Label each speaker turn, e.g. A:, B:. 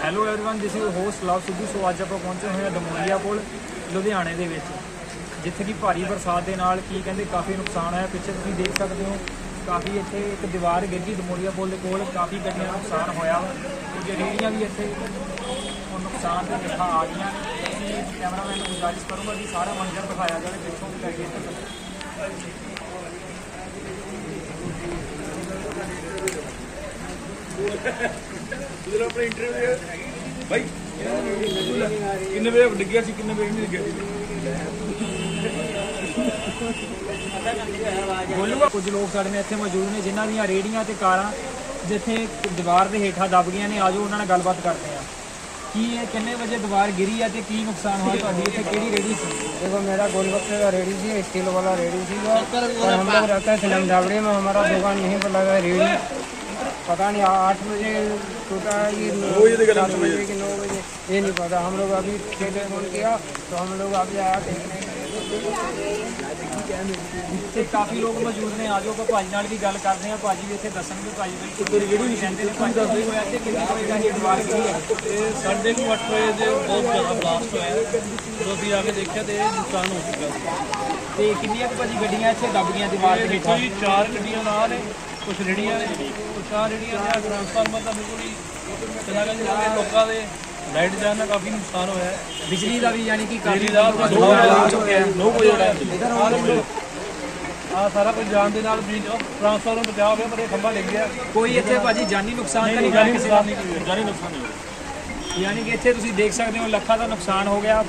A: Hello everyone, this is host Love Sidhu. So अज आप पहुंचे हुए हैं दमोलिया पुल लुधियाने ਦੇ ਵਿੱਚ, ਜਿੱਥੇ ਕਿ ਭਾਰੀ ਬਰਸਾਤ ਦੇ ਨਾਲ ਕੀ ਕਹਿੰਦੇ ਕਾਫੀ ਨੁਕਸਾਨ ਹੋਇਆ। ਪਿੱਛੇ ਤੁਸੀਂ ਦੇਖ ਸਕਦੇ ਹੋ ਕਾਫੀ ਇੱਥੇ ਇੱਕ ਦੀਵਾਰ ਗਿਰ ਗਈ ਦਮੋਲੀਆ ਪੁਲ ਦੇ ਕੋਲ, ਕਾਫੀ ਗੱਡੀਆਂ ਦਾ ਨੁਕਸਾਨ ਹੋਇਆ। ਕੁਝ ਰੇਹੜੀਆਂ ਵੀ ਇੱਥੇ ਨੁਕਸਾਨ ਦੇ ਲਿਖਾ ਆ ਗਈਆਂ। ਅਸੀਂ ਕੈਮਰਾਮੈਨ ਨੂੰ ਗੁਜ਼ਾਰਿਸ਼ ਕਰੂੰਗਾ ਕਿ ਸਾਰਾ ਮੰਜ਼ਰ ਦਿਖਾਇਆ ਜਾਵੇ ਪਿੱਛੋਂ ਵੀ ਲੱਗੇ
B: अपने इंटरव्यू भाई किन्ने बजे डिग्गिया सी किन्ने बजे नहीं डिग्गिया
A: ਬੋਲੂਗਾ। ਕੁਝ ਲੋਕ ਸਾਡੇ ਨਾਲ ਇੱਥੇ ਮੌਜੂਦ ਨੇ ਜਿਨ੍ਹਾਂ ਦੀਆਂ ਰੇਹੜੀਆਂ ਤੇ ਕਾਰਾਂ ਜਿੱਥੇ ਦੀਵਾਰ ਦੇ ਹੇਠਾਂ ਦਬ ਗਈਆਂ ਨੇ। ਆਜੋ ਉਹਨਾਂ ਨਾਲ ਗੱਲਬਾਤ ਕਰਦੇ ਆ ਕਿ ਇਹ ਕਿੰਨੇ ਵਜੇ ਦੀਵਾਰ ਗਿਰੀ ਹੈ ਤੇ ਕੀ ਨੁਕਸਾਨ ਹੋਇਆ। ਤੁਹਾਡੀ ਇੱਥੇ ਕਿਹੜੀ ਰੇਹੜੀ ਸੀ?
C: देखो मेरा गोलगप्पे का रेडी थी, स्टील वाला रेडी थी और हम लोग रहते हैं फिल्म झावड़ी में। हमारा दुकान यहीं पर लगा है रेडी। पता नहीं 8 बजे टूटा है कि 7 बजे कि 9 बजे, ये नहीं पता। हम लोग अभी टेलीफोन किया तो हम लोग अभी आया देखने के
A: ਇੱਥੇ ਕਾਫੀ ਲੋਕ ਮੌਜੂਦ ਨੇ। ਆਜੋ ਆਪਾਂ ਭਾਜੀ ਨਾਲ ਵੀ ਗੱਲ ਕਰਦੇ ਆ। ਭਾਜੀ ਵੀ ਇੱਥੇ ਦੱਸਣਗੇ। ਭਾਜੀ ਬਿਲਕੁਲ ਜਿਹੜੀ ਰਹਿੰਦੇ ਨੇ ਭਾਜੀ ਦੱਸਦੇ ਹੋਇਆ ਤੇ ਕਿੰਨੇ ਵਜੇ ਦਾ ਇਹ ਦੀਵਾਰ ਗਿਰੀ ਹੈ।
B: ਇਹ 8:30 ਵਜੇ ਦੇ ਬਹੁਤ ਜ਼ਿਆਦਾ ਬਲਾਸਟ ਹੋਇਆ। ਜਦੋਂ ਅਸੀਂ ਆ ਕੇ ਦੇਖਿਆ ਤੇ ਇਹ ਨੁਕਸਾਨ ਹੋ ਚੁੱਕਾ ਸੀ।
A: ਤੇ ਕਿੰਨੀਆਂ ਕੁ ਭਾਜੀ ਗੱਡੀਆਂ ਇੱਥੇ ਦਬ ਗਈਆਂ ਦੀਵਾਰ ਦੇ ਹੇਠਾਂ?
B: ਕੋਈ 4 ਗੱਡੀਆਂ ਨਾਲ ਨੇ, ਕੁਝ ਰੇੜੀਆਂ ਨੇ, ਕੁਝ 4 ਰੇੜੀਆਂ ਨੇ। ਟਰਾਂਸਫਾਰਮਰ ਤਾਂ ਬਿਲਕੁਲ ਹੀ ਚਲਾ ਗਿਆ। ਜਿਹੜੇ ਲੋਕਾਂ ਦੇ ਲਾਈਟ ਜਾਣ ਦਾ ਕਾਫੀ ਨੁਕਸਾਨ ਹੋਇਆ ਹੈ।
A: ਬਿਜਲੀ ਦਾ ਵੀ ਯਾਨੀ ਕਿ ਕਾਫੀ
B: ਬਿਜਲੀ ਦਾ
A: ਨੁਕਸਾਨ ਹੋ ਚੁੱਕਿਆ ਹੈ।
B: 9 ਵਜੇ ਆ ਸਾਰਾ ਕੁਝ ਜਾਣ ਦੇ ਨਾਲ ਵੀ ਟਰਾਂਸਫਾਰਮਰ ਬਚਾ ਹੋ ਗਿਆ, ਪਰ ਇਹ ਖੰਭਾ ਡਿੱਗ ਗਿਆ।
A: ਕੋਈ ਇੱਥੇ ਭਾਜੀ ਜਾਨੀ ਨੁਕਸਾਨ ਤਾਂ ਨਹੀਂ ਹੋਇਆ ਕਿਸੇ ਦਾ?
B: ਜਾਨੀ ਨੁਕਸਾਨ ਨਹੀਂ ਹੋਇਆ।
A: ਯਾਨੀ ਕਿ ਇੱਥੇ ਤੁਸੀਂ ਦੇਖ ਸਕਦੇ ਹੋ ਲੱਖਾਂ ਦਾ ਨੁਕਸਾਨ ਹੋ ਗਿਆ।